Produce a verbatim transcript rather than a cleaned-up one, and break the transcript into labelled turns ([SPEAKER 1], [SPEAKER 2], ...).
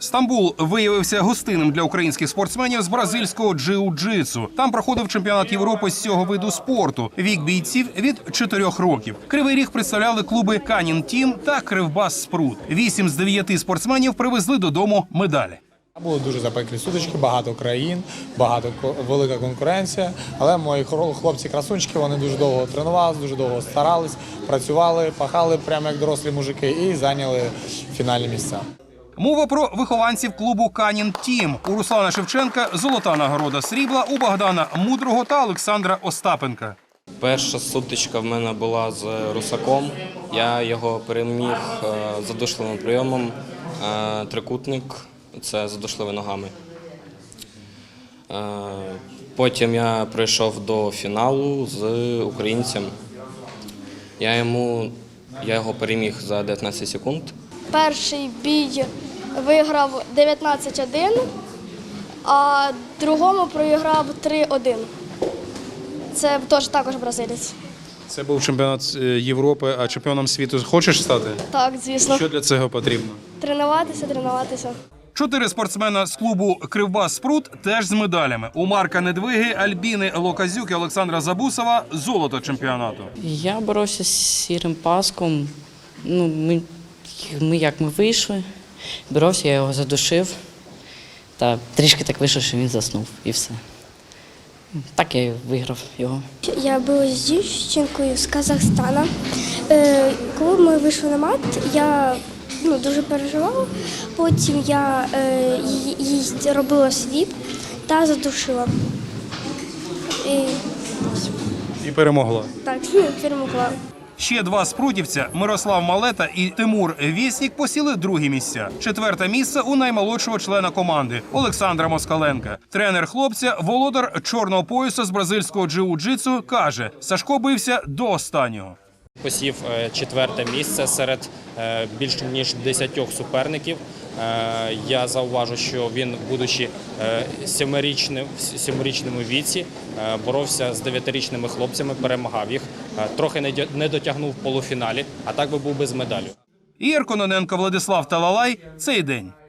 [SPEAKER 1] Стамбул виявився гостинним для українських спортсменів з бразильського джиу-джитсу. Там проходив чемпіонат Європи з цього виду спорту. Вік бійців від чотирьох років. Кривий Ріг представляли клуби «Канін Тім» та «Кривбас Спрут». Вісім з дев'яти спортсменів привезли додому медалі.
[SPEAKER 2] Були дуже запеклі сутички, багато країн, багато велика конкуренція. Але мої хлопці-красунчики, вони дуже довго тренувалися, дуже довго старались, працювали, пахали прямо як дорослі мужики і зайняли фінальні місця.
[SPEAKER 1] Мова про вихованців клубу «Канін Тім». У Руслана Шевченка золота нагорода срібла, у Богдана Мудрого та Олександра Остапенка.
[SPEAKER 3] Перша сутичка в мене була з Русаком. Я його переміг задушливим прийомом. Трикутник – це задушливі ногами. Потім я прийшов до фіналу з українцем. Я, йому, я його переміг за дев'ятнадцять секунд.
[SPEAKER 4] Перший бій виграв дев'ятнадцять один, а другому проіграв три один. Це теж також бразилець.
[SPEAKER 1] Це був чемпіонат Європи, а чемпіоном світу хочеш стати?
[SPEAKER 4] Так, звісно.
[SPEAKER 1] Що для цього потрібно?
[SPEAKER 4] Тренуватися, тренуватися.
[SPEAKER 1] Чотири спортсмена з клубу «Кривбас Спрут» теж з медалями. У Марка Недвиги, Альбіни Локазюк і Олександра Забусова – золото чемпіонату.
[SPEAKER 5] Я боровся з сірим паском. Ну, ми, ми як ми вийшли, боровся, я його задушив. Та трішки так вийшло, що він заснув і все. Так я і виграв його.
[SPEAKER 6] Я була з дівчинкою з Казахстана. Коли ми вийшли на мат, я ну, дуже переживала. Потім я е, їй робила свіп та задушила. І,
[SPEAKER 1] І перемогла.
[SPEAKER 6] так, перемогла.
[SPEAKER 1] Ще два спрутівця – Мирослав Малета і Тимур Вєснік – посіли другі місця. Четверте місце у наймолодшого члена команди – Олександра Москаленка. Тренер хлопця, володар чорного пояса з бразильського джиу-джитсу, каже, Сашко бився до останнього.
[SPEAKER 7] Посів четверте місце серед більш ніж десятьох суперників. Я зауважу, що він, будучи сімирічним, в сімирічному віці, боровся з дев'ятирічними хлопцями, перемагав їх. Трохи не дотягнув в полуфіналі, а так би був без медалі.
[SPEAKER 1] Ігор Кононенко, Владислав Талалай. Цей день.